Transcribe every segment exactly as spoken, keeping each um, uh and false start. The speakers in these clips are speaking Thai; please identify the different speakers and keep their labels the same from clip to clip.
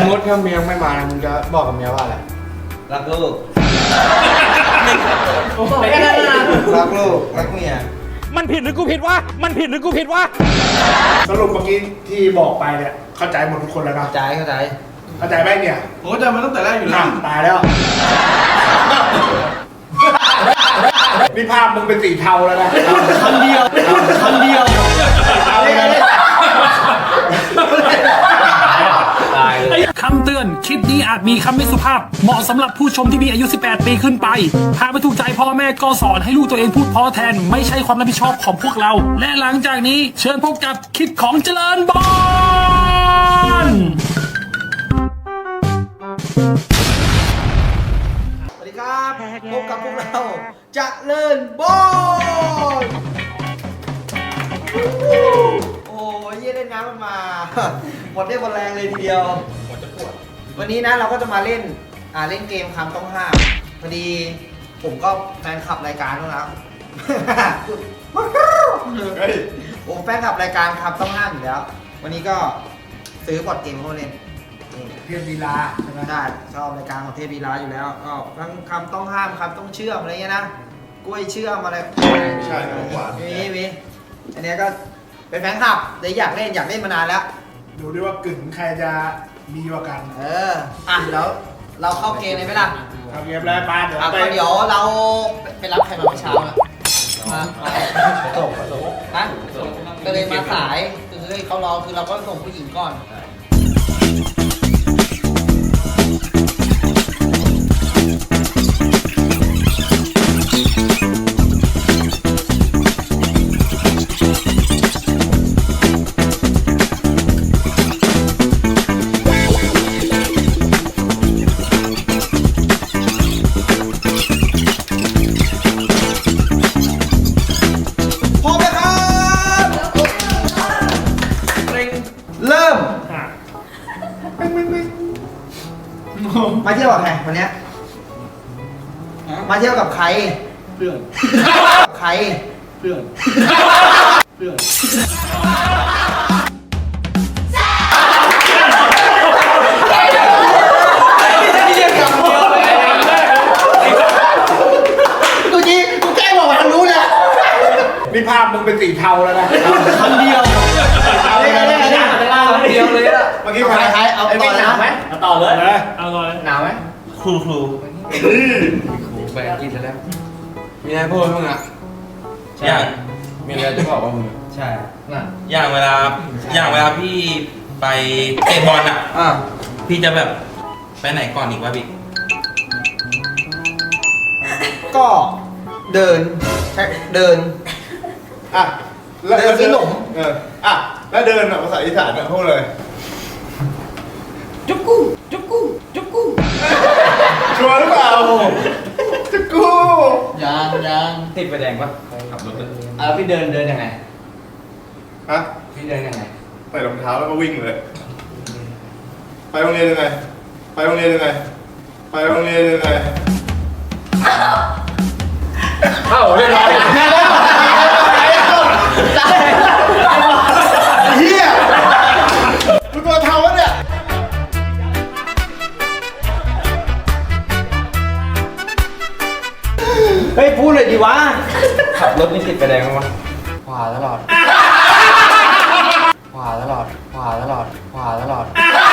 Speaker 1: มติถ้าเมียไม่มามึงจะบอกกับเมียว่าอะไร
Speaker 2: รักลูก
Speaker 1: แค่นั้นนะรักลูกรักเมีย
Speaker 3: มันผิดหรือกูผิดวะมันผิดหรือกูผิดวะ
Speaker 4: สรุปเมื่อกี้ที่บอกไปเนี่ยเข้าใจหมดทุกคนแล้วนะ
Speaker 2: เข้าใจเข้าใจ
Speaker 4: เข้าใจไหมเนี่ย
Speaker 1: โอ้แต่มันตั้งแต่แรกอยู่แล้ว
Speaker 4: ตายแล้วนี่ภาพมึงเป็นสีเทาแล้วนะ
Speaker 1: คำเดียวคำเดียว
Speaker 3: คำเตือนคลิปนี้อาจมีคำไม่สุภาพเหมาะสำหรับผู้ชมที่มีอายุสิบแปดปีขึ้นไปหากไม่ถูกใจพ่อแม่ก็สอนให้ลูกตัวเองพูดเพราะแทนไม่ใช่ความรับผิดชอบของพวกเราและหลังจากนี้เชิญพบกับคลิปของเจริญบอล
Speaker 2: สวัสดีครับพบกับพวกเราเจริญบอลโอ้ยเยี่ยเล่นน้ำมันมาหมดได้หมดแรงเลยทีเดียวหมดจะปวดวันนี้นะเราก็จะมาเล่นอ่าเล่นเกมคำต้องห้ามพอดีผมก็แฟนคลับรายการแล้วผมแฟนคลับรายการคำต้องห้ามอยู่แล้ววันนี้ก็ซื้อบอร์ดเกมเข้ามาเล่น
Speaker 4: เทพลีลาใช่ไหม
Speaker 2: ได้ชอบรายการของเทพลีลาอยู่แล้วก็ทั้งคำต้องห้ามคำต้องเชื่อมอะไรเงี้ยนะกล้วยเชื่อมอะไร
Speaker 4: ไม่ใช่ของหวาน
Speaker 2: มีมีอันนี้ก็เป็นแฟนคลับเลยอยากเล่นอยากเล่นมานานแล้ว
Speaker 4: ดูดิว่ากึ่งใครจะมีกว่ากัน
Speaker 2: เอออ่ะแล้วเราเข้าเกมเลยไหมล่ะ
Speaker 4: เข้าเกมแล้วป้าเดี๋ยว
Speaker 2: ไปเดี๋ยวเราไปรับใครมาเมื่อเช้าอ่ะมาส่งส่งฮะก็เลยมาสายคือเขารอคือเราก็ส่งผู้หญิงก่อนมาเที่ยวกับใครวันนี้มาเที่ยวกับใคร
Speaker 1: เพื่อน
Speaker 2: ใคร
Speaker 1: เพื่อนเพื่อน
Speaker 2: กูจีกูแกล้งบอกว่าทางนู้นแหละ
Speaker 4: นี่ภาพมึงเป็นสีเทาแล้วนะ
Speaker 1: คำเดียว
Speaker 2: เล่นเล่นเล่นเดียวเลยอะ
Speaker 4: เมื่อกี้ใคร
Speaker 2: เอาต่อหนาวไหม
Speaker 1: เอาต่อเลย
Speaker 4: เอาต่อเลย
Speaker 2: หนาวไหม
Speaker 1: ครูครู
Speaker 4: ครูไปกินแล้วมีอะไรพูดบ้างอ่ะ
Speaker 5: อย่าง
Speaker 4: มีอะไรจะบอกว่ามึง
Speaker 2: ใช่น่ะ
Speaker 5: อย่างเวลาอย่างเวลาพี่ไปเตะบอลอ่ะพี่จะแบบไปไหนก่อนอีกวะพี่
Speaker 2: ก็เดินใช่เดิน
Speaker 4: อ่ะ
Speaker 2: เดินซื้อขนม
Speaker 4: เอออ่ะแล้วเดินแบบภาษาอีสานพูดเลย
Speaker 2: จุ๊กกู้จุ๊กกู้จุ๊กกู้
Speaker 4: ชัวร์หรือเปล่าจุ๊กกู้
Speaker 1: ยังยัง
Speaker 2: ติดไฟแดงปะ
Speaker 5: ขับรถเลย
Speaker 1: อ่ะพี่เดินเดินยังไง
Speaker 4: ฮะ
Speaker 1: พี่เดินยังไง
Speaker 4: ใส่รองเท้าแล้วก็วิ่งเลยไปโรงเรียนยังไงไปโรงเรียนยังไงไปโรงเรียนยังไงเข้าเรียบร้อยเฮียมึงตัวเทาวะเนี่ย
Speaker 2: เฮ้ยพูดเลยดีวะ
Speaker 1: ขับรถนี่ติดไฟแดงมั้ยวะ
Speaker 2: ขวาตลอดขวาตลอดขวาตลอดขวาตลอด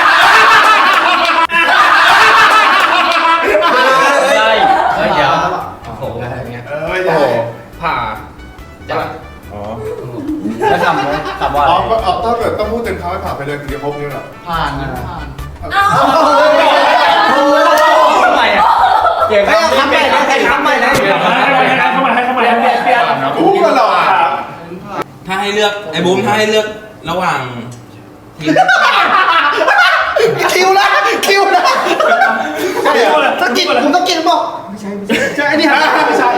Speaker 1: ใช่เฮ้ยเดี๋ยว
Speaker 4: โอ้โหอะไรเงี้ยเออไม่ใช่
Speaker 1: ผ่า
Speaker 4: จะอ๋อ
Speaker 1: จะทำไหมทำว่า
Speaker 4: อ๋ออ๋อต้องแบบต้องพูดเต็มคำให้ผ่านไปเลยถึงจะครบนี่หรอ
Speaker 1: ผ่านผ่านทำไมอ่ะ
Speaker 2: เก่งทำใหม่นะใครทำใหม่นะ
Speaker 1: ทำไมทำไมทำไมเปลี่ยนเปลี่ยน
Speaker 4: พูดกันหรอ
Speaker 5: ถ้าให้เลือกไอ้บูมถ้าให้เลือกระหว่างทีม
Speaker 2: คิวนะคิวนะสกิดผมต้องกินบอกไม่ใช่ไม่ใช่ใช่นี่ฮะไม่ใช่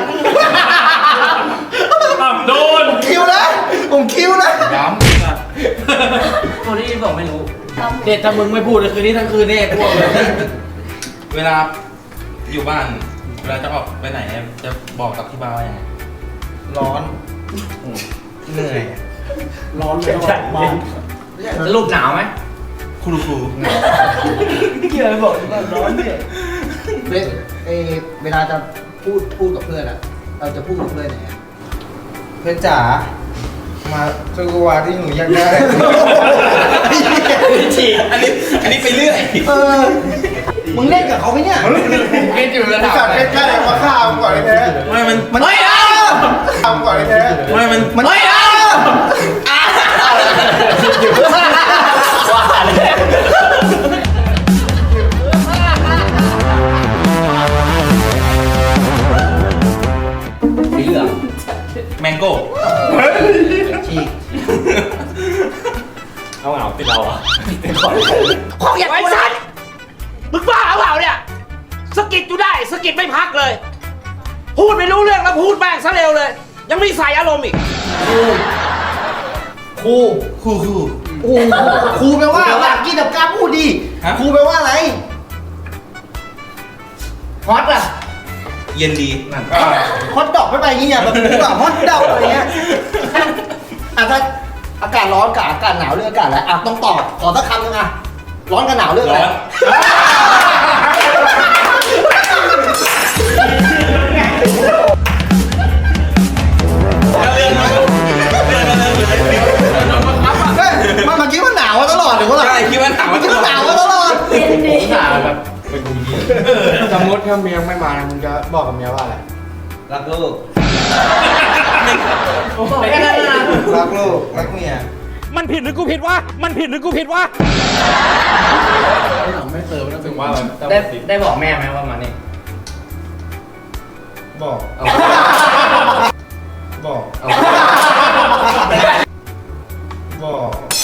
Speaker 1: โดน
Speaker 2: คิวนะผมคิวนะ
Speaker 1: ย้ำตัวนี้บอกไม่รู้เด็ดถ้ามึงไม่พูดเลยคืนนี้ทั้งคืนเนี่ยพวกเลย
Speaker 5: เวลาอยู่บ้านเวลาจะออกไปไหนจะบอกกับที่บ้านว่ายังไง
Speaker 2: ร้อนเหนื่อย
Speaker 4: ร้อนเลยบ้าน
Speaker 1: สรุปหนาวไหม
Speaker 5: ครูครู
Speaker 1: หี้ยบอกว่าร้อนเนี่ย
Speaker 2: เวลเออเวลาจะพูดพูดกับเพื่อนอะเราจะพูดกับเพื่อนยังไงเพื่อนจ๋ามาช่วยกูวาที่หนูอยากได้
Speaker 5: ฉีกอันนี้อันนี้ไปเรื่อย
Speaker 2: เออมึงเล่นกับเขาไหมเนี่ย
Speaker 1: เล่นอยู่ระดับ
Speaker 4: สัตว์เป็นแค่ไหนมาฆ่ามึงก่อนเลยแท้
Speaker 5: ไม่มัน
Speaker 2: มันไม่เอา
Speaker 4: ฆ่ามึงก่อนเลยแท้
Speaker 5: ไม่มัน
Speaker 2: มันไม่เอา
Speaker 1: ว่าเลย สีเหลือง
Speaker 5: แมงโก้
Speaker 2: ฉีก
Speaker 1: เอาเหงาติดเราอ่ะ
Speaker 6: ของอย่างไอ้สัตว์มึงบ้าเปล่าเนี่ยสะกิดอยู่ได้สะกิดไม่พักเลย พูดไม่รู้เรื่องแล้วพูดแม่งซะเร็วเลย ยังมีใส่อารมณ์อีก
Speaker 2: ครูครูครูโอ้ครูแปลว่าอยากกินแบบกล้าพูดดีครูแปลว่าอะไรฮอตอะ
Speaker 5: เย็นดีนั่น
Speaker 2: ฮอตดอกไม่ไปอย่างงี้อย่าแบบพูดแบบฮอตดอกอะไรเงี้ยอ่ะถ้าอากาศร้อนกับอากาศหนาวเรื่องอากาศอะไรอ่ะต้องตอบขอสักคำนึงอ่ะร้อนกับหนาวเรื่องอะไร
Speaker 5: ร้อน
Speaker 2: เฮ้ยมันเมื่อกี้มันหนาวมาตลอดหรือว่าอะไร
Speaker 5: ใช่คิดว่าหนาว
Speaker 2: เมื่อกี้มันหนาวมาตลอด
Speaker 1: ด่าแบบเป็นกูเหี้ย
Speaker 7: สมมติถ้าเมียไม่มามึงจะบอกกับเมียว่าอะไร
Speaker 2: รักลูก
Speaker 1: แค่นั้นนะ
Speaker 2: รักลูกรักเมีย
Speaker 6: มันผิดหรือกูผิดวะมันผิดหรือกูผิดวะ
Speaker 7: ไม่เติมแล้วถึงว่าอะไร
Speaker 1: ได้ได้บอกแม่ไหมว่ามานี่
Speaker 7: บอก
Speaker 1: เอา
Speaker 7: บอก
Speaker 1: เอา
Speaker 7: บอก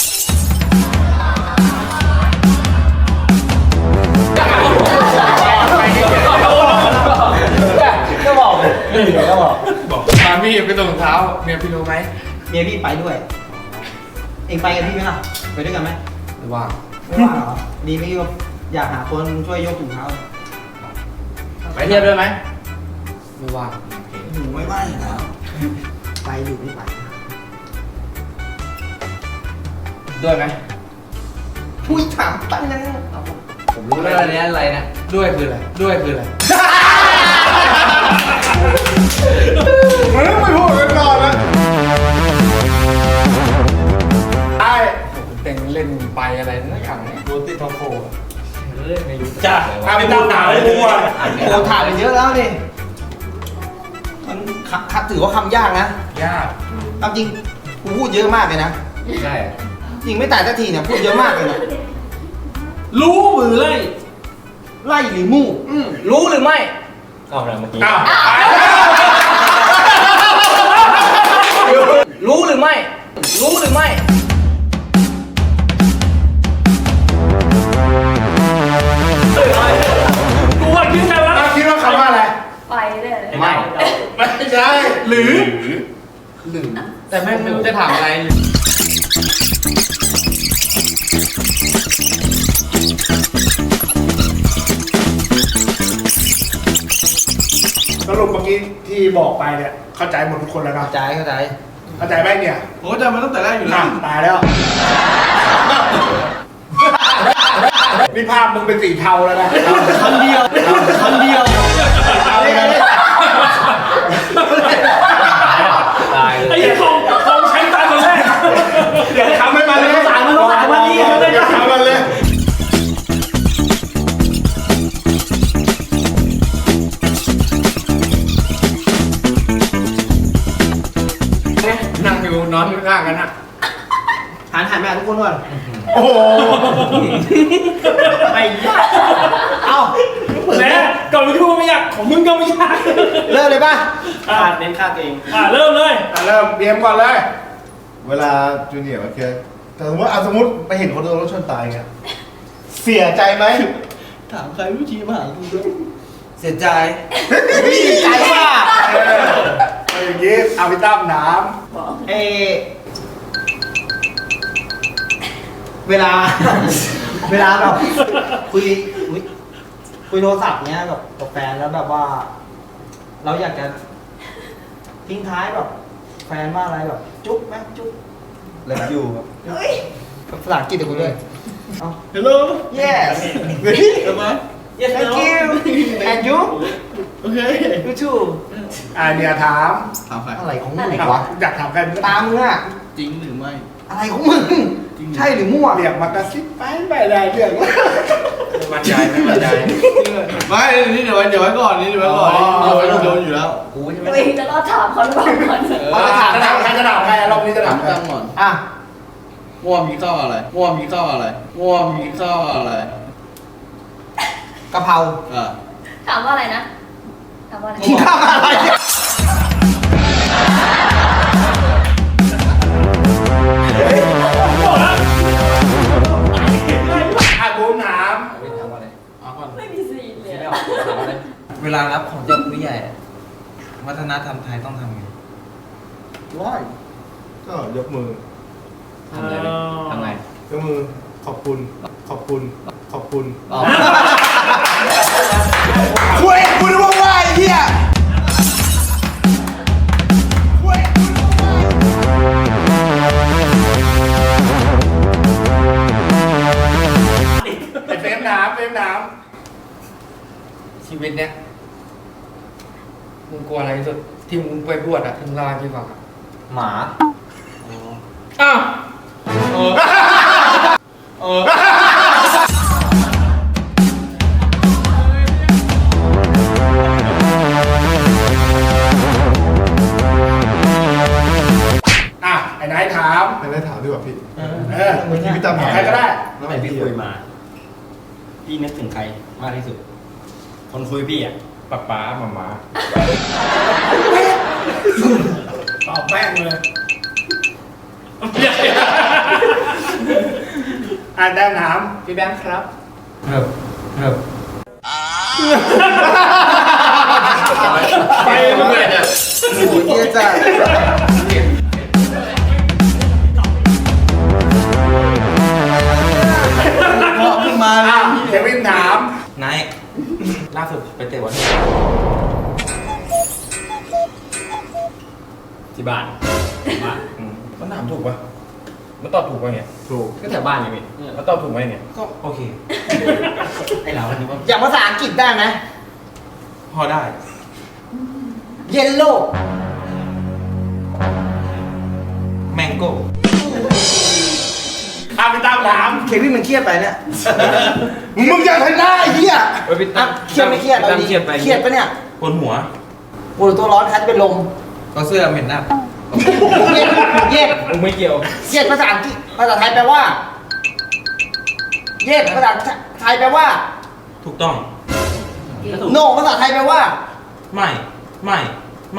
Speaker 1: ก็บอกเลยก็บอก
Speaker 7: บอกตามพี่ไปส่งเท้าเมียพี่รู้ไหม
Speaker 2: เมียพี่ไปด้วย เองไปกับพี่ไหมล่ะไปด้วยกันไหม
Speaker 7: ไม่ว่าง
Speaker 2: ไม่ว่าเหรอดีไม่ก็อยากหาคนช่วยยกถุงเท้า
Speaker 1: ไปเทียบด้วยไหม
Speaker 7: ไม่ว่าง
Speaker 2: หนูไม่ไหวแล้วไปอยู่ไม่ไป
Speaker 1: ด้วยไหม
Speaker 2: พูดถามตั้งนะ
Speaker 1: ผมรู้แล้วอันนี้อะไรนะ
Speaker 7: ด้วยคืออะไรด้วยคืออะไร
Speaker 4: มันไม่พูดกันนอนแล้ว
Speaker 7: ไอ้เต็งเล่นไปอะไรนั่นอย่างเนี้ยโรติทอโฟ
Speaker 5: จ้าไม่พูดหนาวเลยกูอ่ะ
Speaker 2: โอ้ถ่ายไปเยอะแล้วนี่มันคคัดถือว่าคำยากนะ
Speaker 7: ยาก
Speaker 2: เอาจริงกูพูดเยอะมากเลยนะ
Speaker 1: ใช่
Speaker 2: จริงไม่ตายสักทีเนี่ยพูดเยอะมากเลยนะ
Speaker 3: รู้หรือไล่
Speaker 2: ไล่หรือมู่
Speaker 1: รู้หรือไม่เอาอะไรเมื่อกี้
Speaker 7: อ้าว
Speaker 1: รู้หรือไม่ รู้หรือไม่
Speaker 3: กูว่าคิดกันแล้ว
Speaker 7: คิดว่าคำว่าอะไร
Speaker 8: ไปเลย
Speaker 1: ไม่
Speaker 7: ไม่ใช่หรือ
Speaker 1: แต่แม่งไม่รู้จะถามอะไร
Speaker 7: สรุปเมื่อกี้ที่บอกไปเนี่ยเข้าใจหมดทุกคนแล้วนะ
Speaker 2: เข้าใจเข้าใจ
Speaker 7: เข้าใจไหมเนี่ย
Speaker 4: โอ้แต่มันตั้งแต่แรกอยู่แล้ว
Speaker 7: ตายแล้วนี่ภาพมึงเป็นสีเทาแล้วนะ
Speaker 2: คำเดียวคำเดียว
Speaker 7: เอาเลยนะ
Speaker 1: ตายเล
Speaker 3: ไอ้
Speaker 1: ย
Speaker 3: ยี่ของของใช้ตาคนแรก
Speaker 7: เดี๋ยวทำให้มันเลย
Speaker 2: สายมันต้องสายวันนี้
Speaker 7: เดี๋ยวทำมันเลย
Speaker 3: นั่งอยู่นอนข้างกันนะ
Speaker 2: หันหันมาทุกคนก่อน
Speaker 7: โอ้โห
Speaker 2: ไปเอ้าเปิด
Speaker 3: แม่ก่อนมึงพูดไม่อยากของมึงก็ไม่อยาก
Speaker 2: เริ่มเลยป่ะ
Speaker 3: อ่ะ
Speaker 2: เน้นค่าตัวเอง
Speaker 3: อ่ะเริ่มเลย
Speaker 7: อ่ะเริ่มเบียมก่อนเลย
Speaker 4: เวลาจูเนียร์โอเคแต่สมมติอ่ะสมมติไปเห็นคนโดนรถชนตายเงี้ยเสียใจไหม
Speaker 2: ถามใครวิธีมาหากูด้วยเสียใจใจว่า
Speaker 7: เออเอาอย่างงี้เอาไปตั้มน้
Speaker 2: เอเวลา เวลาแบบคุยคุยคุยโทรศัพท์เนี้ยกับกับแฟนแล้วแบบว่า เราอยากจะทิ้งท้ายแบบ แฟนว่าอะไรแบบ จุ๊บไหมจุ๊บเลิฟยูครับภาษาอังกฤษเดี๋ยวกูด้วย
Speaker 7: ำ Hello
Speaker 2: Yes
Speaker 1: Yes
Speaker 2: Thank you And you
Speaker 7: Okay
Speaker 2: You too
Speaker 7: อ่าเนี่ยถาม
Speaker 2: อะไรของมึงวะ
Speaker 7: อยากถามใคร
Speaker 2: ตามมึงอะ
Speaker 4: จริงหรือไม่
Speaker 2: อะไรของมึง ใช่หรือมั่ว
Speaker 7: เรียกมากระซิบไปไปได้เรื่อง
Speaker 5: บรรยายไม่บรรยาย
Speaker 4: ไม่นี่เดี๋ยวไว้เดี๋ยวไว้ก่อนนี่เดี๋ยวไว้ก่อนเดี๋ยวไว้โดนอยู่แล้ว
Speaker 1: กูใช่ไหม
Speaker 8: ตัวเองจะรอดถามเขาหรือเปล่าก่อน
Speaker 2: เราจะถาม
Speaker 7: จะถามใครจะถามใครรอบนี้จะถามใคร
Speaker 4: ตั้งก่อน
Speaker 2: อ่ะ
Speaker 4: ง่วมีข้าวอะไรง่วมีข้าวอะไรง่วมีข้าวอะไร
Speaker 2: กะเพรา
Speaker 4: อ่า
Speaker 8: ถามว่าอะไรนะ ถามว่าอะไร
Speaker 2: กินข้าวอะไรเนี่ย
Speaker 7: อ่ะบูมถาม
Speaker 5: เอาก่อน
Speaker 8: ไม่มีซีนเลย
Speaker 5: เวลารับของจากผู้ใหญ่อะวัฒนธรรมไทยต้องทำไง
Speaker 4: ว้ายก็ยกมือ
Speaker 1: ทำไงทำไง
Speaker 4: ยกมือขอบคุณขอบคุณขอบคุณ
Speaker 2: คุยคุณว่าว่าไอ้เหี้ย
Speaker 7: ไอ้เฟรมถามเฟรมถาม
Speaker 9: ชีวิตเนี้ยมึงกลัวอะไรที่สุดที่มึงไปบวชอะที่มึงเล่าให้พี่ฟังอะ
Speaker 1: หมา
Speaker 9: อ้าว
Speaker 1: เออ
Speaker 7: อ่ะไอ้นายถาม
Speaker 4: ไม่ได้ถามดีกว่าพี่
Speaker 7: เออ
Speaker 4: เมื่อกี้พี่ตั้มถาม
Speaker 7: ใครก็ได้
Speaker 1: ตั้งแต่พี่คุยมา พี่นึกถึงใครมากที่สุด คนคุยพี่อ่ะป๊าป๊าหมาม้า
Speaker 7: ตอบแม่งเลยอ่ะแต้มถาม
Speaker 1: พี่แบงค์ครับครับครับ
Speaker 7: ไปมึงเลยเนี่ย
Speaker 2: โอ้โหเหี้ยจ้ะพอขึ้นมาเล
Speaker 7: อ่ะ
Speaker 2: ย
Speaker 7: เควินถาม
Speaker 5: นายล่าสุดไปเตะวัน
Speaker 1: ที่บ้านบ้าน
Speaker 9: มันถามถูกปะมันตอบถูกปะเนี่ย
Speaker 4: ถูก
Speaker 9: ก็แถวบ้านไงพี่มันตอบถูกไหมเนี่ย
Speaker 5: ก็โอเค
Speaker 1: ไอ้เราอันนี้ว่า
Speaker 2: อย่างภาษาอังกฤษได้ไหม
Speaker 5: พอได้
Speaker 2: เยลโล่
Speaker 5: แมงโก้
Speaker 7: อ่ะไปตามถาม
Speaker 2: เควินมันเครียดไปเนี่ย
Speaker 7: มึงจะทำได้ไอ้เหี้ย
Speaker 1: เฮ้ยพี่
Speaker 2: อ่ะ
Speaker 1: ตั้ม
Speaker 2: เครียดไม่เครียดเอา
Speaker 1: ตั้ม
Speaker 2: ดิ
Speaker 1: เครียดไป
Speaker 2: เครียดปะเนี่ย
Speaker 5: บนหัว
Speaker 2: ปวดตัวร้อนคันจะเป็นลม
Speaker 5: ก็เสื้อเหม็นอับ
Speaker 2: เย็ดเย็ด
Speaker 1: มึงไม่เกี่ยว
Speaker 2: เย็ดภาษาอังกฤษภาษาไทยแปลว่า เย็ดภาษาไทยแปลว่า
Speaker 5: ถูกต้อง
Speaker 2: โนภาษาไทยแปลว่า
Speaker 5: ไม่ไม่ไม่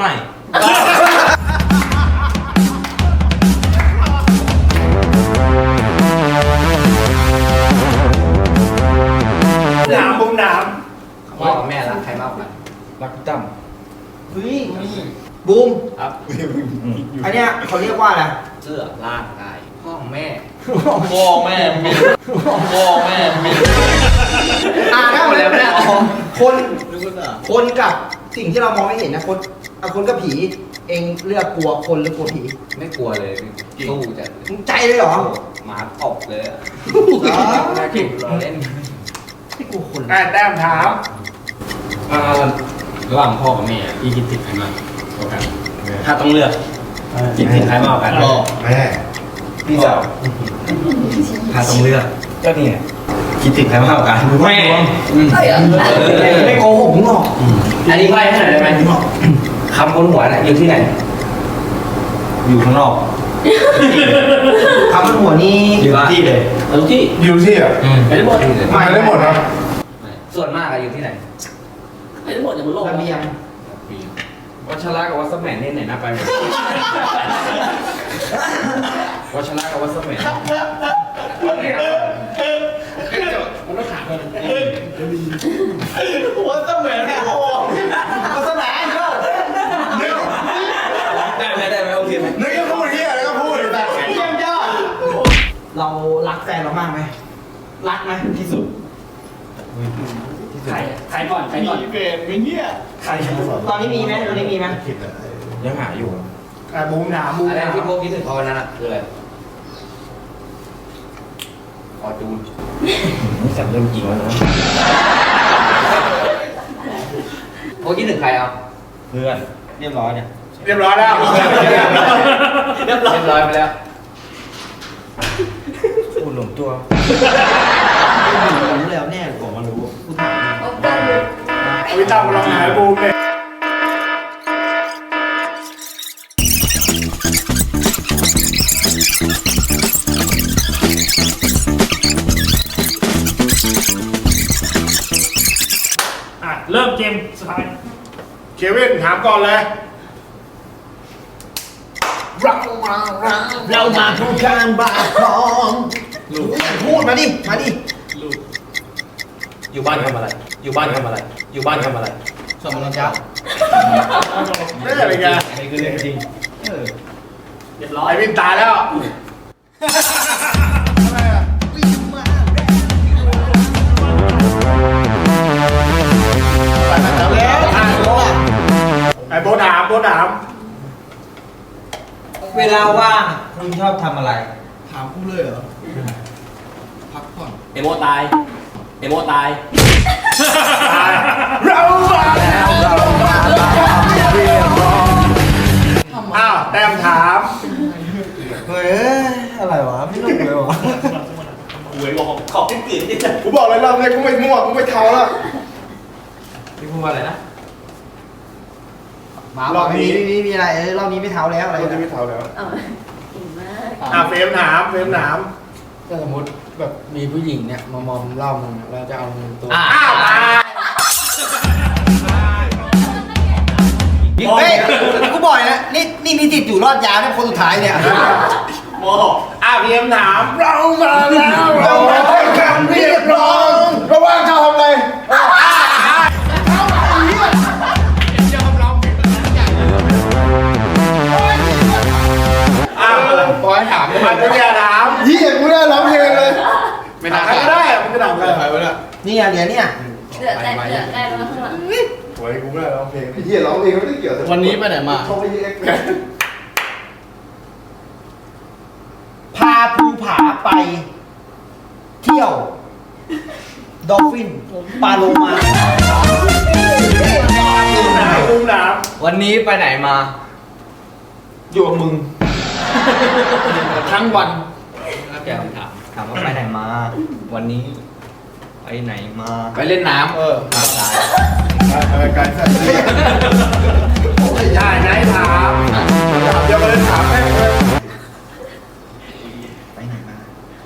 Speaker 7: ถามบูมถาม
Speaker 1: พ่อกับแม่รักใครมากกว่ากัน
Speaker 9: รักพี่ตั้ม
Speaker 2: เฮ้ยบูม
Speaker 1: ครับ
Speaker 2: อันเนี้ยเขาเรียกว่าอะไร
Speaker 1: เสื้อร่างกายพ่อของแม่
Speaker 2: พ่อแม่มีพ่อแม่มีอ่าได้หมดแล้วเนี่ยคนคนกับสิ่งที่เรามองไม่เห็นนะคนอ่ะคนกับผี เองเลือกกลัวคนหรือกลัวผี
Speaker 1: ไม่กลัวเลยสู้จะ
Speaker 2: มึงใจเลยเหรอ
Speaker 1: หมาตบเลยอะ
Speaker 2: เหรอ
Speaker 1: เราเล่น
Speaker 2: ไม่กลัวคน
Speaker 7: อ่ะแต้มถาม
Speaker 9: อ่าระหว่างพ่อกับแม่อะพี่คิดถึงใครมากกว่ากัน
Speaker 1: ถ้าต้องเลือกคิดถึงใครมากกว่ากัน
Speaker 4: พ่อแม่
Speaker 1: พี่สาวถ้าต้องเลือก
Speaker 9: ก็นี่ไง
Speaker 1: คิดถึงใครมากกว่ากันแม่
Speaker 8: ใช่เหรอ
Speaker 2: ไม่โกหกมึงหรอก
Speaker 1: อันนี้ใบ้ให้หน่อยได้ไหมคำบนหัวน่ะอยู่ที่ไหน อยู่ข้างนอก
Speaker 2: คำบนหัวนี่
Speaker 1: อยู่ที่เลยทุกที่
Speaker 4: อยู่ที่อ่ะ
Speaker 1: ไม่ได้หมด
Speaker 4: ไม่ได้หมดครับ
Speaker 1: ส่วนมากอะอยู่ที่ไหน
Speaker 8: ไม่ได้หมดจากบนโลก
Speaker 2: ระเบียง
Speaker 9: วัชระกับวัสแมนนี่ไหนน่าไปไหมวัชระกับวัสแมนมันต้องถามกัน
Speaker 2: วัสแมนโอ้วัสแมนเนอะ
Speaker 1: ได้ไหมได้ไหมโอเคไหม
Speaker 4: นึกจะพูดที่อะไรก็พูดแต่
Speaker 2: เยี่ยมยอดเรารักแฟนเรามากไหมรักไหมที่สุด
Speaker 9: ใครใครก่อนใครก่อน
Speaker 4: เปลี่ยนไม่เงี้ย
Speaker 2: ใครตอนนี้มีไหมตอนนี้มีไหม
Speaker 4: คิดอะไร
Speaker 9: ยังหาอยู่
Speaker 7: อ่ะบูมถามบูม
Speaker 1: อะไร
Speaker 7: ถาม
Speaker 1: ที่พวกคิดถึงเขาวันนั้นอะคืออะไร
Speaker 9: ค
Speaker 4: อจูน
Speaker 1: นี่สับเริ่มจริงแล้วนะ
Speaker 2: โอ้ยี่หนึ่งใครเอา
Speaker 1: เพื่อนเรียบร้อยเนี่ย
Speaker 7: เรียบร้อยแล้ว
Speaker 2: เรียบร้อยเรียบร้อยไปแล้ว
Speaker 1: พูดหลงตัวรู้แล้วแน่ผมมารู้พูดถาม
Speaker 8: โอเคเลย
Speaker 7: เอาวิต้ามาลองหายบูมเนี่ย
Speaker 3: อ่ะ เริ่มเกมสุดท้าย
Speaker 7: เควินถามก่อนเลย
Speaker 2: เรามาทุกการบาของพูดมาดิ มาดิ
Speaker 9: อยู่บ้านทำอะไร อยู่บ้านทำอะไร อยู่บ้านทำอะไร
Speaker 2: สมรจ้า
Speaker 7: ไม่ใช่เป็นไง
Speaker 1: นี่คือเรื่องจริง
Speaker 3: เรียบร้อย
Speaker 7: ไอวินตายแล้ว
Speaker 2: แล้วอ่านโลก
Speaker 7: ไอโบถามโบถาม
Speaker 2: เวลาว่างคุณชอบทำอะไร
Speaker 4: ถามกูเลยเหรอ พักผ่อน
Speaker 5: เอโมตาย เอโมตาย
Speaker 7: เรามาแล้วเรามาแล้วเรียบร้อยอ้าวแต้มถาม
Speaker 2: เฮ้ย อะไรวะไม่รู้เลยวะ
Speaker 5: หวยบอกขอบขึ้นกลืนที่จะ
Speaker 4: กูบอกเลยรอบนี้กูไม่มั่วกูไม่เทาแล้ว
Speaker 9: พี่พูดว่าอะไรนะ
Speaker 2: มารอบนี้มีมีอะไรเออรอบนี้ไม่เท้าแล้วอะไร
Speaker 4: กูจะไม่เทาแล้ว
Speaker 8: เอาเก่งมาก
Speaker 7: อ่ะเฟรมถามเฟรมถาม
Speaker 9: ก็สมมติแบบมีผู้หญิงเนี่ยมามอมเหล่ามึงอะแล้วจะเอาเงินตัว
Speaker 2: อ่ะ
Speaker 7: อ้าวมา
Speaker 2: เฮ้ยกูบอกเลยนะนี่นี่มีสิทธิ์อยู่รอดยาวเนี่ยคนสุดท้ายเนี่ย
Speaker 7: โมอ่ะเฟรมถามเรามาแล้วเรามาทำการเรียกร้อง
Speaker 4: ระว่างเจ้าทำอะไร
Speaker 7: อ้าว
Speaker 4: ปล่อยถาม
Speaker 7: มาจะเรียถาม
Speaker 4: เฮียกูได้ร้องเพลงเลย
Speaker 7: ไม่ถามใครก็ได้มึงจะถามใคร
Speaker 4: ใครวะเนี่ย
Speaker 2: นี่อ่ะเหรียญเนี่ย
Speaker 8: เดือดแต่เดือดได้แล้วข้างหลัง
Speaker 4: โอ้ยกูไม่ได้ร้องเพลงเฮียร้องเพลงไม่ได้เกี่ยว
Speaker 9: วันนี้ไปไหนมา
Speaker 4: เขาไปเอ็กซ์
Speaker 2: พาภูผาไป เที่ยว ดอลฟิน ปลาโลมา
Speaker 7: ถามลุงถาม
Speaker 9: วันนี้ไปไหนมา อยู่กับมึง ทั้งวันแกคำถาม
Speaker 2: ถามว่าไปไหนมา วันนี้ ไปไหนมา
Speaker 9: ไปเล่นน้ำเออ
Speaker 4: อะไรกันสัตว์
Speaker 7: ได้ไหนถาม
Speaker 4: เดี๋ยวมาเลยถามแม่งเลย
Speaker 2: ไปไหนมา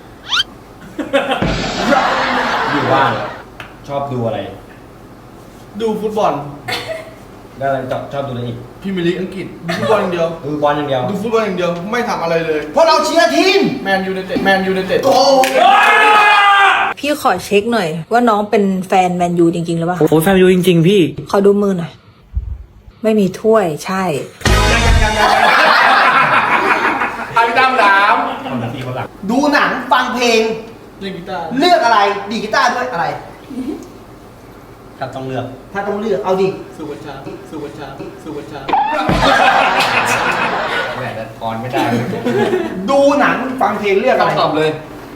Speaker 1: อยู่ว่างชอบดูอะไร
Speaker 4: ดูฟุตบอล
Speaker 1: แล้วอะไรชอบชอบดูอะไรอีก
Speaker 4: พรีเมียร์ลีกอังกฤษดูฟุตบอลอย่างเดียว
Speaker 1: ดูบอลอย่างเดียว
Speaker 4: ดูฟุตบอลอย่างเดียวไม่ทำอะไรเลย
Speaker 2: เพราะเราเชียร์ทีม
Speaker 4: แมนยูไนเต็ดแมนยูไนเต็ด
Speaker 10: พี่ขอเช็คหน่อย ว่าน้องเป็นแฟนแมนยูจริงๆหรือเปล่า
Speaker 3: โอ้แฟนยูจริงๆพี่
Speaker 10: ขอดูมือหน่อย ไม่มีถ้วยใช่
Speaker 7: อาพี่ตั้มถาม
Speaker 1: คนละทีคนหลัง
Speaker 2: ดูหนังฟังเพลง
Speaker 4: เล่นกีตาร์
Speaker 2: เลือกอะไร ดีดกีตาร์ด้วยอะไร
Speaker 1: ถ้าต้องเลือก
Speaker 2: ถ้าต้องเลือกเอาดิ
Speaker 4: สุวัชชาสุวัชชาสุวัชชา
Speaker 9: แหวนออนไม่ได้
Speaker 2: ดูหนังฟังเพลงเลือกอะไร
Speaker 9: ตอบเลย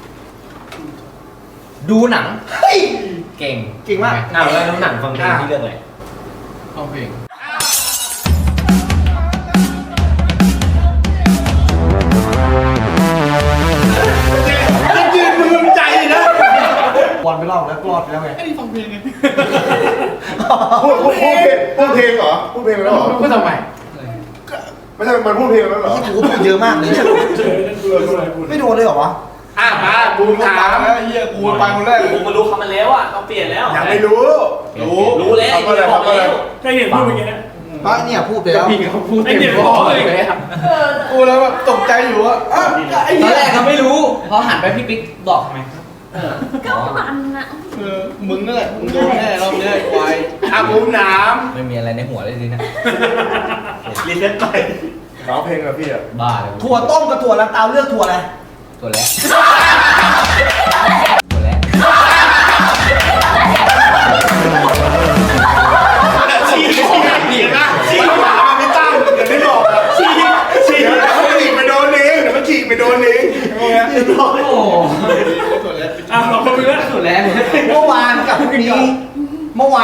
Speaker 9: ดูหนัง
Speaker 2: เฮ้ย
Speaker 9: เก่ง
Speaker 2: เก่งมาก
Speaker 1: อ้าวแล้วหนังฟังเพลงที่เลือกอะไร
Speaker 4: ฟังเพลง
Speaker 7: ยืนมือใจนะ
Speaker 2: บอลไปรอบแล้วรอดไปแล้วไง
Speaker 4: ไอ้นี่ฟังเพลงไงพูดพูดพูดเพลงพูดเพลงเหรอพูดเพลงแล้วเหรอ
Speaker 9: พูดทำไม
Speaker 4: ไม่ใช่มันพูดเพลงแล้วเหรอ
Speaker 2: ที่กูพูดเยอะมากเลยเนี่ยไม่โดนเลยเหรอวะ
Speaker 7: อ่ะมาบูมถาม
Speaker 4: ไอ้เหี้ยกูไปคนแรกเลย
Speaker 5: ผมมารู้คำมันแล้วอ่ะต้องเปลี่ยนแล้ว
Speaker 7: ยังไม่รู้
Speaker 4: รู้
Speaker 5: รู้แล้ว
Speaker 4: ทำอะไร
Speaker 5: บอก
Speaker 4: ทำอะไร
Speaker 5: แล้ว
Speaker 3: ได้เห็นพูดเมื่อกี้นะ
Speaker 2: เพราะเนี่ยพูดไปแล้ว
Speaker 9: พี่เขาพูด
Speaker 3: ไอ้
Speaker 9: เต็ม
Speaker 3: เด็ก
Speaker 9: ค
Speaker 3: บ
Speaker 9: อ
Speaker 3: อกเลย
Speaker 9: เลยครับ
Speaker 4: กูแล้วแบบตกใจอยู่ว่าอ้าวไอ้
Speaker 9: ตอ
Speaker 4: เหี้
Speaker 9: น
Speaker 4: ย
Speaker 9: แรกเขาไม่รู้ พอหันไปพี่ปิ๊กบอกทำไม
Speaker 8: ก็มันนะ
Speaker 4: เออมึงนั่นแหละมึงโดนแน่รอบนี้ไอ้ควาย
Speaker 7: อ่ะบูมถาม
Speaker 9: ไม่มีอะไรในหัวเลยสินะ
Speaker 7: รีเซ็ตไป
Speaker 4: ร้องเพลงกับพี่อ่ะ
Speaker 9: บ้าเลย
Speaker 2: ถั่วต้มกับถั่วลันเตาเลือกถั่วอะไร
Speaker 9: ตัวแรกตัวแรก
Speaker 7: ชี้ชี้เห็นนะชี้ถามมาพี่ตั้มเดี๋ยวไม่บอกอ่ะชี้ชี้เดี๋ยวมันฉีกไปโดนเองเดี๋ยวมันฉีกไปโดนเองพวกเนี้ย
Speaker 9: โอ้
Speaker 4: ตัวแรก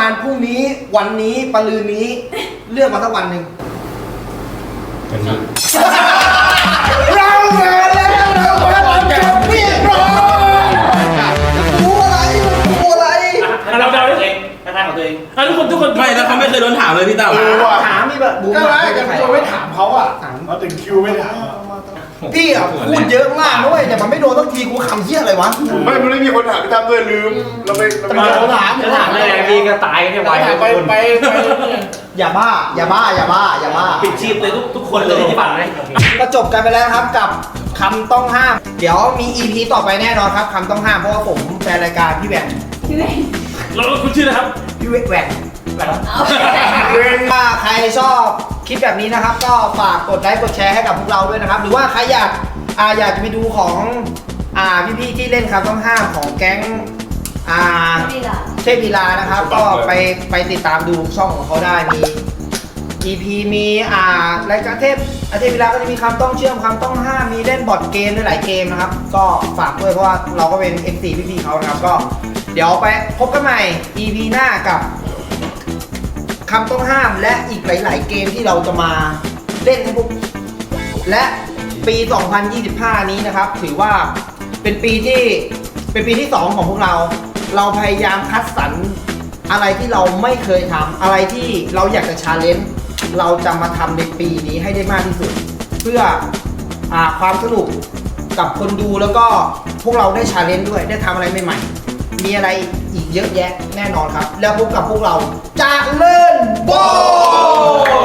Speaker 2: านพรุ่งนี้วันนี้ปะลืนนี้เลือกมาสักวันหนึ่ง
Speaker 1: วันนี้
Speaker 2: เราเงินแล้วเรามาทำกับเรียกร้องรู้อะไรรู้อะไร
Speaker 3: เราเดาด้วย
Speaker 6: กระทางของตัวเอง
Speaker 3: อ่ะทุกคนทุกคน
Speaker 5: ไม่แล้วเขาไม่เคยโดนถามเลยพี่เต่า
Speaker 4: เออว่ะ
Speaker 2: ถามมีแบบบูม
Speaker 4: ก็
Speaker 2: อะ
Speaker 4: ได้กันตัวไม่ถามเขาอ่ะมาถึงคิวไม่ถาม
Speaker 2: พี่อ่ะพูดเยอะมากนะเว้ยแต่มันไม่โดนสักทีกูคำเหี้ยอะไรวะ
Speaker 4: ไม่มันไม่มีคนถามพี่ตั้มด้วยลืมเราไปเราไป
Speaker 2: จะถาม
Speaker 6: จะถามอะไรพี่ก็ตายเนี่ยไว
Speaker 4: ไปไปไป
Speaker 2: อย่าบ้า อย่าบ้า อย่าบ้า อย่าบ้า
Speaker 6: ปิดชีพเลยทุกทุกคนเลยที่ฝันเลย
Speaker 2: ก็จบกันไปแล้วนะครับกับคำต้องห้าม เดี๋ยวมี อี พี ต่อไปแน่นอนครับคำต้องห้ามเพราะว่าผมแฟนรายการพี่แหวน
Speaker 8: พี่เวง
Speaker 3: เราคุณชื่อนะครับ
Speaker 2: พี่แหวนแหวน
Speaker 8: เอาไปแต่ง
Speaker 2: ถ้าใครชอบคลิปแบบนี้นะครับ ก็ฝากกดไลค์กดแชร์ให้กับพวกเราด้วยนะครับ หรือว่าใครอยากอ่าอยากจะไปดูของอ่าพี่ๆที่เล่นคำต้องห้ามของแก๊งอ่า
Speaker 8: นี่ล่ะ
Speaker 2: เทพวีลานะครับ ก็ไปไปติดตามดูช่องของเขาได้มี อี พี มีอ่ารายการเทพอาเทพวีลาก็จะมีคำต้องเชื่อมคำต้องห้ามมีเล่นบอร์ดเกมด้วยหลายเกมนะครับ ก็ฝากด้วยเพราะว่าเราก็เป็น เอ็ม ซี พี่ๆเขานะครับก็เดี๋ยวไปพบกันใหม่ อี พี หน้ากับคำต้องห้ามและอีกหลาย ๆ เกมที่เราจะมาเล่นให้พวกและปี สองพันยี่สิบห้า นี้นะครับ ถือว่าเป็นปีที่เป็นปีที่สองของพวกเรา เราพยายามคัดสรรอะไรที่เราไม่เคยทำอะไรที่เราอยากจะชาเลนจ์เราจะมาทำในปีนี้ให้ได้มากที่สุด เพื่ออาความสนุกกับคนดูแล้วก็พวกเราได้ชาเลนจ์ด้วยได้ทำอะไรใหม่ๆมีอะไรอีกเยอะแยะแน่นอนครับ แล้วพบกับพวกเราจากเล่นโบ